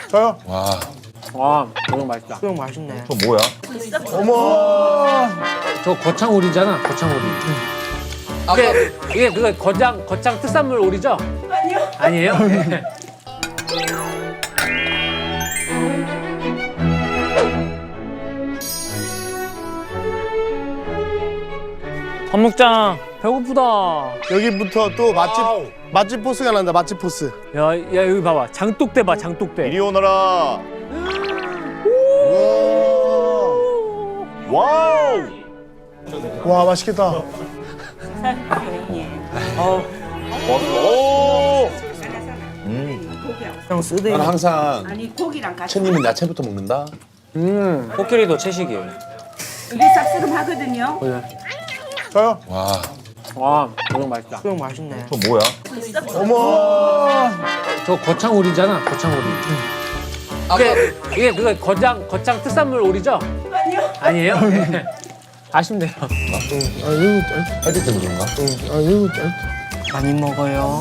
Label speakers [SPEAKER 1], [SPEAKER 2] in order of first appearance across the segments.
[SPEAKER 1] 저요?
[SPEAKER 2] 와, 너무 맛있다.
[SPEAKER 3] 수육 맛있네.
[SPEAKER 1] 저 뭐야? 어머.
[SPEAKER 2] 저 거창 오리잖아, 거창 오리. 이게 그거 거창 특산물 오리죠? 아니요. 아니에요? 네. 밥 먹자. 배고프다.
[SPEAKER 3] 여기부터 또 맛집 포스가 난다. 맛집 포스.
[SPEAKER 2] 야, 여기 봐봐. 장독대 봐, 장독대.
[SPEAKER 1] 이리 오너라. 와우.
[SPEAKER 3] 와 맛있겠다.
[SPEAKER 1] 오.
[SPEAKER 3] 형 쓰대.
[SPEAKER 4] 나는 항상
[SPEAKER 5] 아니 고기랑 같이
[SPEAKER 4] 천님은 야채부터 먹는다.
[SPEAKER 2] 코끼리도 채식이에요.
[SPEAKER 5] 이게 쌉싸름하거든요.
[SPEAKER 3] 저요?
[SPEAKER 4] 와.
[SPEAKER 2] 와, 너무 맛있다.
[SPEAKER 3] 수육 맛있네.
[SPEAKER 1] 저 뭐야? 어머.
[SPEAKER 2] 저 거창 오리잖아, 거창 오리. 이게 그거 거창 특산물 오리죠? 아니에요? 아니에요? 네. 아쉽네요.
[SPEAKER 4] 할때 때문에 그런가?
[SPEAKER 3] 많이 먹어요.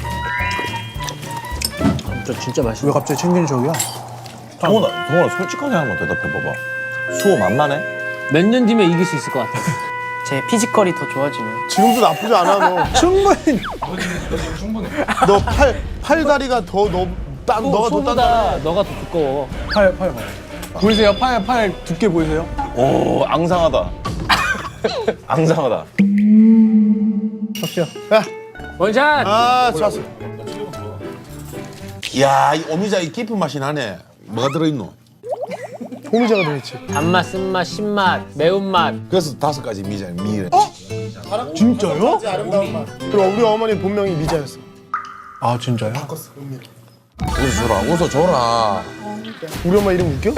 [SPEAKER 2] 저 진짜 맛있어.
[SPEAKER 3] 왜 갑자기 챙기는 저기야?
[SPEAKER 1] 동원아 솔직하게 한번 대답해봐봐. 수호 만만해?
[SPEAKER 2] 몇 년 뒤면 이길 수 있을 것 같아.
[SPEAKER 3] 제 피지컬이 더 좋아지네. 지금도 나쁘지 않아 너. 충분히. 너 팔다리가 너가 더 단단해.
[SPEAKER 2] 너가 더 두꺼워.
[SPEAKER 6] 팔. 보이세요? 팔 두께 보이세요?
[SPEAKER 1] 오 앙상하다. 앙상하다.
[SPEAKER 3] 야,
[SPEAKER 2] 원샷!
[SPEAKER 3] 아 좋았어.
[SPEAKER 4] 이야 이 오미자 이 깊은 맛이 나네. 뭐가 들어있노?
[SPEAKER 3] 호미자가 들어있지.
[SPEAKER 2] 단맛, 쓴맛, 신맛, 매운맛.
[SPEAKER 4] 그래서 5가지 미래.
[SPEAKER 3] 진짜요? 그럼 우리 어머니 본명이 미자였어.
[SPEAKER 6] 아 진짜요?
[SPEAKER 4] 웃어줘라.
[SPEAKER 3] 우리 엄마 이름 웃겨?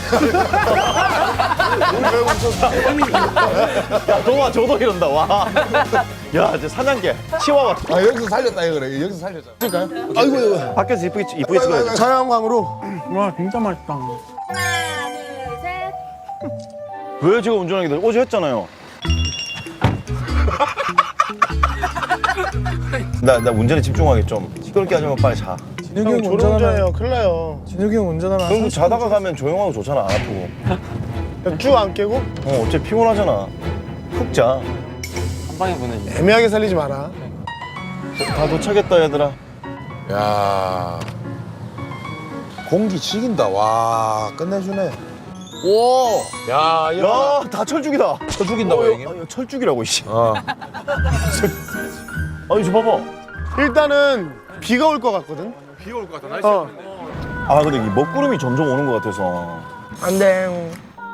[SPEAKER 1] 야 동아 저도 이런다. 와. 야 이제 사냥개 치와와.
[SPEAKER 4] 아 여기서 살렸다 이거래. 여기서 살렸잖아.
[SPEAKER 3] 그럴까요? 아이고.
[SPEAKER 1] 밖에서 이쁘게 찍어야지.
[SPEAKER 3] 자연광으로.
[SPEAKER 6] 와 진짜 맛있다.
[SPEAKER 5] 하나, 둘, 셋.
[SPEAKER 1] 왜 제가 운전하게 돼? 어제 했잖아요. 나 운전에 집중하게 좀 시끄럽게 하지 마. 빨리 자.
[SPEAKER 6] 진욱이
[SPEAKER 3] 형
[SPEAKER 6] 형
[SPEAKER 3] 졸음운전해요.
[SPEAKER 6] 운전하면
[SPEAKER 3] 큰일 나요.
[SPEAKER 6] 진욱이 형 운전하면
[SPEAKER 1] 그럼 자다가 가면 조용하고 좋잖아. 안 아프고.
[SPEAKER 3] 쭉 안 깨고
[SPEAKER 1] 어차피 피곤하잖아. 푹 자.
[SPEAKER 2] 한 방에 보내지.
[SPEAKER 3] 애매하게 살리지 마라.
[SPEAKER 1] 다 도착했다 얘들아.
[SPEAKER 4] 야 공기 죽인다. 와 끝내주네. 오. 야 이거.
[SPEAKER 1] 야 다 철쭉이다.
[SPEAKER 4] 쳐 죽인다고 형님.
[SPEAKER 1] 아니, 철쭉이라고 이씨.
[SPEAKER 4] 어.
[SPEAKER 1] 아니 저 봐봐.
[SPEAKER 3] 일단은 비가 올 것 같거든.
[SPEAKER 4] 비가 올 것 같아.
[SPEAKER 1] 아 근데 이 먹구름이 점점 오는 것 같아서.
[SPEAKER 3] 안 돼.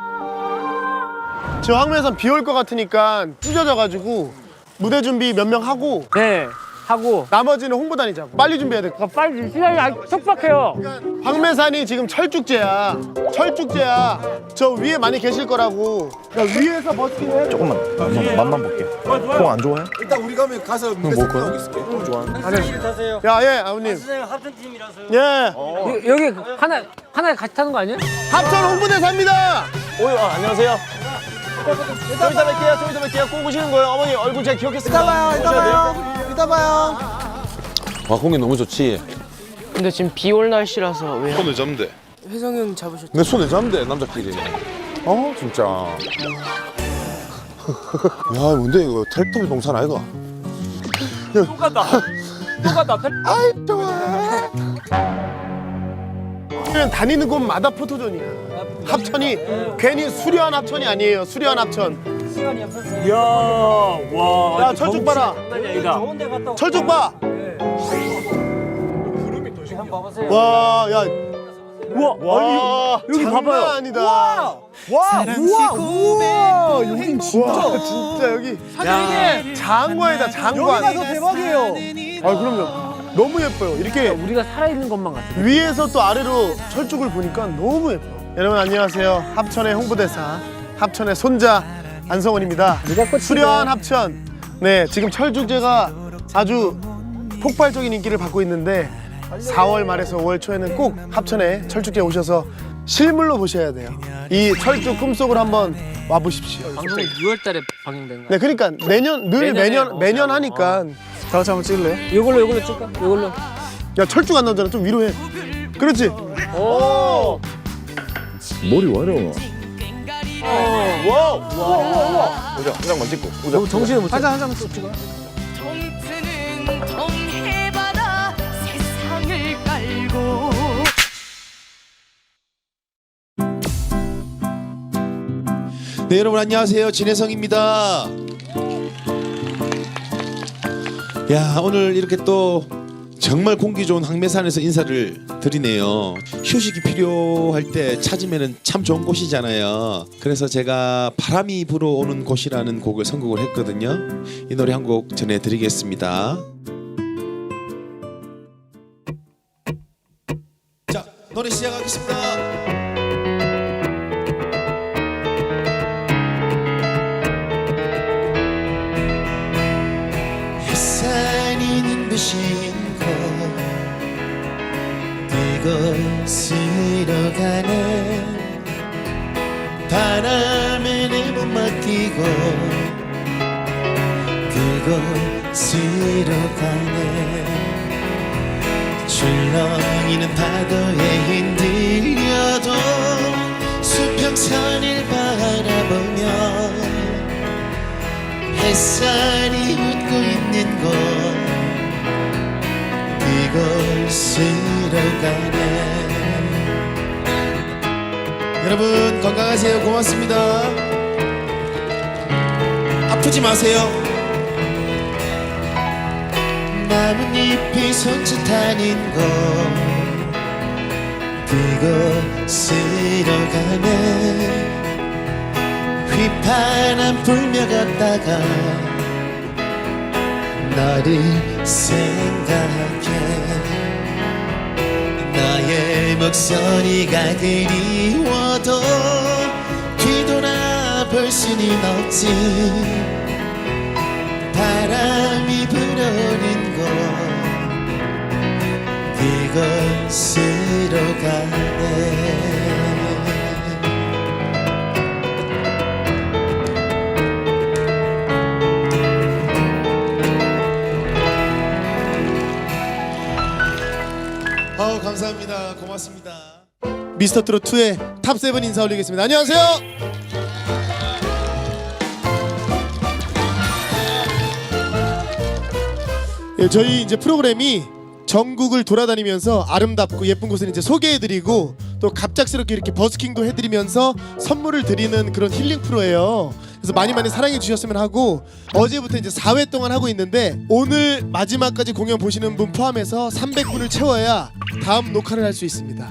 [SPEAKER 3] 지금 황매산 비 올 것 같으니까 찢어져가지고 무대 준비 몇 명 하고
[SPEAKER 2] 네, 하고.
[SPEAKER 3] 나머지는 홍보단이자고. 빨리 준비해야 돼.
[SPEAKER 2] 빨리 시간이 아직 촉박해요.
[SPEAKER 3] 황매산이 지금 철쭉제야. 철쭉제야. 저 위에 많이 계실 거라고. 야, 위에서 버스킹 해.
[SPEAKER 1] 조금만 맛만 볼게. 콩 안 좋아해?
[SPEAKER 4] 일단 우리 가면 가서 무대 생각하고 있을게.
[SPEAKER 3] 야, 예, 아버님. 예.
[SPEAKER 2] 여기 하나 같이 타는 거 아니야?
[SPEAKER 3] 합천 홍보대사입니다.
[SPEAKER 1] 안녕하세요. 좀 이따 뵐게요. 꼭 오시는 거예요. 어머니 얼굴 제가 기억했습니다.
[SPEAKER 3] 이따 봐요.
[SPEAKER 4] 와 공기 너무 좋지.
[SPEAKER 7] 근데 지금 비 올 날씨라서 왜
[SPEAKER 4] 손을 잡으면 돼.
[SPEAKER 7] 혜성이 형 잡으셨죠?
[SPEAKER 4] 내 손에 잡으면 돼 남자끼리. 진짜. 야 뭔데 이거 텔레토비 동산 아이가?
[SPEAKER 2] 똑같다.
[SPEAKER 3] 아이, 좋아. 그냥 다니는 곳마다 포토존이야. 합천이 괜히 수려한 합천이 아니에요. 수려한 합천.
[SPEAKER 2] 이야, 와.
[SPEAKER 3] 야, 철쭉 봐라.
[SPEAKER 2] 아니다.
[SPEAKER 3] 철쭉 봐. 와, 야.
[SPEAKER 2] 우와, 여기
[SPEAKER 3] 장난
[SPEAKER 2] 봐봐요.
[SPEAKER 3] 아니다. 우와, 여기 진짜 여기 장관이다, 장관. 여기가 더 대박이에요. 아, 그럼요. 너무 예뻐요. 이렇게
[SPEAKER 2] 우리가 살아있는 것만 같아.
[SPEAKER 3] 위에서 또 아래로 철쭉을 보니까 너무 예뻐요. 여러분 안녕하세요. 합천의 홍보대사, 합천의 손자 안성원입니다. 수려한 합천. 네, 지금 철쭉제가 아주 폭발적인 인기를 받고 있는데 4월 말에서 5월 초에는 꼭 합천에 철쭉제 오셔서 실물로 보셔야 돼요. 이 철쭉 꿈속을 한번 와보십시오.
[SPEAKER 2] 방송이 6월달에 방영된 거야.
[SPEAKER 3] 네, 그러니까 매년
[SPEAKER 2] 내년에
[SPEAKER 3] 매년 하니까 다 같이 한번 찍을래요?
[SPEAKER 2] 이걸로 찍까? 이걸로.
[SPEAKER 3] 야, 철쭉 안 나오잖아. 좀 위로해. 그렇지.
[SPEAKER 1] 오.
[SPEAKER 4] 머리 와려.
[SPEAKER 1] 와우. 우와. 우정, 우정만 찍고. 우정.
[SPEAKER 2] 정신을 못 차려.
[SPEAKER 6] 한장 찍어요.
[SPEAKER 8] 동트는 동해바다 세상을 깔고
[SPEAKER 4] 네, 여러분 안녕하세요. 진혜성입니다. 야, 오늘 이렇게 또 정말 공기 좋은 황매산에서 인사를 드리네요. 휴식이 필요할 때 찾으면 참 좋은 곳이잖아요. 그래서 제가 바람이 불어오는 곳이라는 곡을 선곡을 했거든요. 이 노래 한 곡 전해드리겠습니다. 자, 노래 시작하겠습니다. 햇살이 눈부신 곳 그곳으로 가네 바람에 내 몸 맡기고 그곳으로 가네 출렁이는 파도에 흔들려도 수평선을 바라보며 햇살이 웃고 있는 곳 그곳으로 가네 여러분 건강하세요. 고맙습니다. 아프지 마세요. 나뭇잎이 손짓하는 곳 그곳으로 가네 휘파람 불며 걷다가 너를 생각해 나의 목소리가 그리워도 뒤돌아볼 수는 없지 바람이 불어오는 곳 그곳으로 가네 감사합니다. 고맙습니다.
[SPEAKER 3] 미스터트롯 2의 탑7 인사 올리겠습니다. 안녕하세요. 예, 저희 이제 프로그램이 전국을 돌아다니면서 아름답고 예쁜 곳을 이제 소개해드리고 또 갑작스럽게 이렇게 버스킹도 해드리면서 선물을 드리는 그런 힐링 프로예요. 그래서 많이 사랑해 주셨으면 하고 어제부터 이제 4회 동안 하고 있는데 오늘 마지막까지 공연 보시는 분 포함해서 300분을 채워야 다음 녹화를 할 수 있습니다.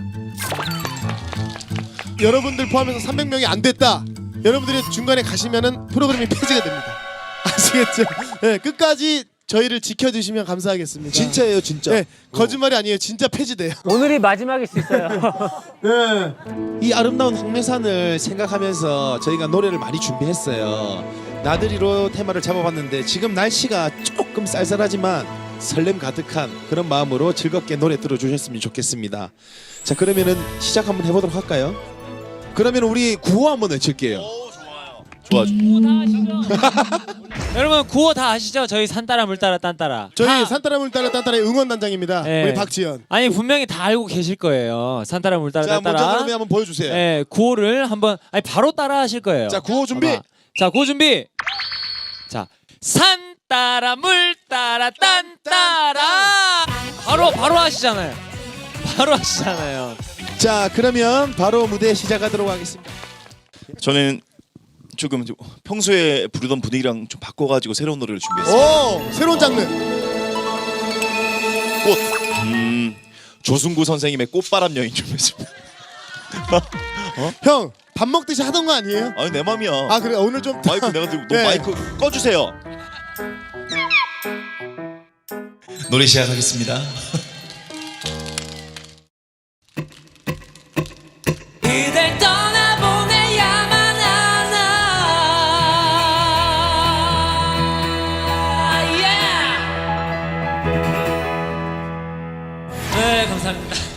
[SPEAKER 3] 여러분들 포함해서 300명이 안 됐다. 여러분들이 중간에 가시면은 프로그램이 폐지가 됩니다. 아시겠죠? 네, 끝까지 저희를 지켜주시면 감사하겠습니다.
[SPEAKER 4] 진짜예요, 진짜.
[SPEAKER 3] 네, 거짓말이 아니에요. 진짜 폐지돼요.
[SPEAKER 2] 오늘이 마지막일 수 있어요.
[SPEAKER 3] 네.
[SPEAKER 4] 이 아름다운 황매산을 생각하면서 저희가 노래를 많이 준비했어요. 나들이로 테마를 잡아봤는데 지금 날씨가 조금 쌀쌀하지만 설렘 가득한 그런 마음으로 즐겁게 노래 들어주셨으면 좋겠습니다. 자, 그러면은 시작 한번 해보도록 할까요? 그러면 우리 구호 한번 외칠게요.
[SPEAKER 1] 좋아.
[SPEAKER 9] 여러분 구호 다 아시죠? 저희 산따라 물따라 딴따라.
[SPEAKER 3] 저희 산따라 물따라 딴따라의 응원단장입니다.
[SPEAKER 9] 네.
[SPEAKER 3] 우리 박지현.
[SPEAKER 9] 아니 분명히 다 알고 계실 거예요. 산따라 물따라
[SPEAKER 4] 자, 먼저
[SPEAKER 9] 딴따라.
[SPEAKER 4] 그러면 한번 보여주세요.
[SPEAKER 9] 네, 구호를 한번 아니 바로 따라 하실 거예요.
[SPEAKER 4] 자, 구호 준비.
[SPEAKER 9] 자, 구호 준비. 자, 산따라 물따라 딴따라. 바로 하시잖아요. 바로 하시잖아요.
[SPEAKER 4] 자, 그러면 바로 무대 시작하도록 하겠습니다.
[SPEAKER 1] 저는 조금 평소에 부르던 분위기랑 좀 바꿔가지고 새로운 노래를 준비했어요.
[SPEAKER 3] 오, 새로운 장르.
[SPEAKER 1] 꽃. 조승구 선생님의 꽃바람 여인 준비했습니다.
[SPEAKER 3] 형, 밥 먹듯이 하던 거 아니에요?
[SPEAKER 1] 아니 내 맘이야.
[SPEAKER 3] 아 그래 오늘 좀
[SPEAKER 1] 마이크 내가 들고 너
[SPEAKER 3] 네.
[SPEAKER 1] 마이크 꺼주세요. 노래 시작하겠습니다.
[SPEAKER 8] 그댈 떠나보내야만 하나
[SPEAKER 9] 네, 감사합니다.